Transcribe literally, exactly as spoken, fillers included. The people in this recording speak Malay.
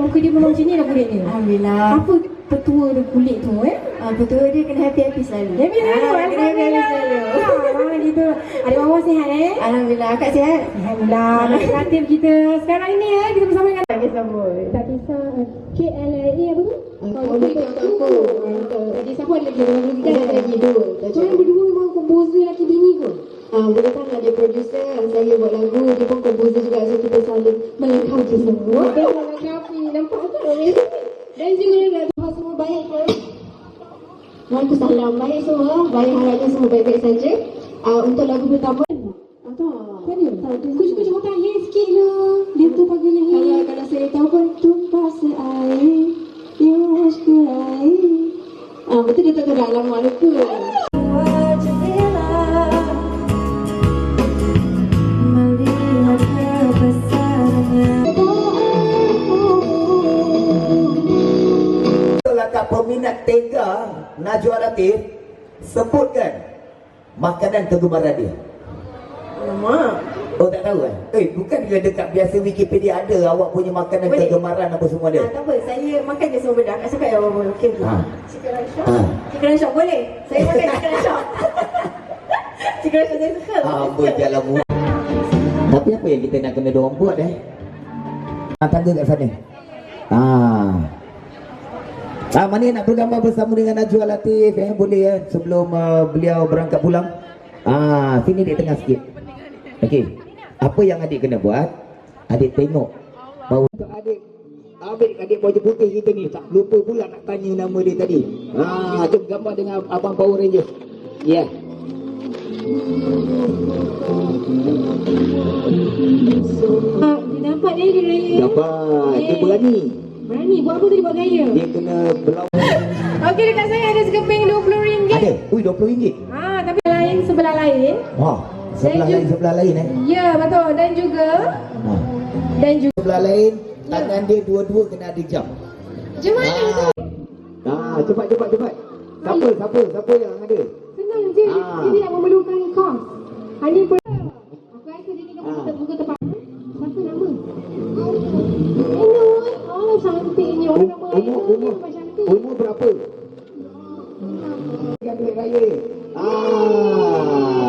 muka dia memang macam ni lah kulit dia. Alhamdulillah. Apa petua dia kulit tu eh? Ah, betul dia kena happy-happy selalu. Happy selalu. Ah, kena happy-happy selalu. Ah, gitu. Adik Wawa sihat eh? Alhamdulillah, akak sihat? Alhamdulillah. Kreatif kita sekarang ini eh, kita bersama dengan Tak kisah pun. tak kisah uh, K L A apa tu? Oh, betul aku. Jadi siapa ada lagi? Ada lagi Ada lagi dua. Korang berdua memang komposer laki bini ke? Ah, boleh kan ada producer, saya buat lagu, dia pun komposer juga, so kita saling melengkapi semua. Dia melengkapi. Nampak tak? Dan juga nak Tuhan semua baik ke? Waalaikumsalam. Baik semua, baik harapnya semua baik-baik saja. Ah, untuk lagu pertama, Ah, tak. Kan dia? Kau suka cakap tak hair sikit lah. Dia tu pagi ni kalau hair. kalau saya tahu pun tumpah seair, yush ke air. Ah, betul dia tak tahu dah lama lupa. Peminat tega Najwa Latif sebutkan makanan kegemaran dia. Alamak. Oh tak tahu kan? Eh bukan dia dekat biasa Wikipedia ada awak punya makanan Boleh. kegemaran apa semua dia. Ah, tak apa, saya makan je semua benda. Akak cakap yang apa okey tu. Ha. Chicken rice shop. Ha. Chicken rice shop boleh. Saya makan chicken rice shop. Chicken rice shop saya suka. Ah, berjalan mu. Tapi apa yang kita nak kena dorang buat eh? Ah, tangga kat sana. Ah. Ah, mana yang nak bergambar bersama dengan Najwa Latif eh? Boleh ya sebelum uh, beliau berangkat pulang. Ah, sini di tengah sikit. Okey. Apa yang adik kena buat? Adik tengok. Baru untuk adik adik adik baju putih kita ni tak lupa pula nak tanya nama dia tadi. Ah, jom gambar dengan abang Power Ranger. Ya. Yeah. Ah, dia dapat dia dia raya. Dapat. Dia Eh. berani. Berani buat apa tadi buat gaya? Dia kena berlawan. Okey, dekat saya ada sekeping dua puluh ringgit. Ada. Ui, dua puluh ringgit. Ah, tapi lain sebelah lain. Wah, sebelah Saya lain sebelah lain eh. Ya, betul. Dan juga Ha. dan juga Sebelah lain tangan dia dua-dua kena ada jam. macam mana tu? Ah, cepat cepat cepat. Siapa siapa siapa yang ada? Senang je. Ah. Dia tidak memerlukan kos. Hanya per... Aku rasa dia tidak Ah. buka buka tepat. Siapa nama? Ainul. Oh, cantiknya. Orang nama Um- umur Ainul umur memang cantik. umur berapa? Kan duit raya. Ah.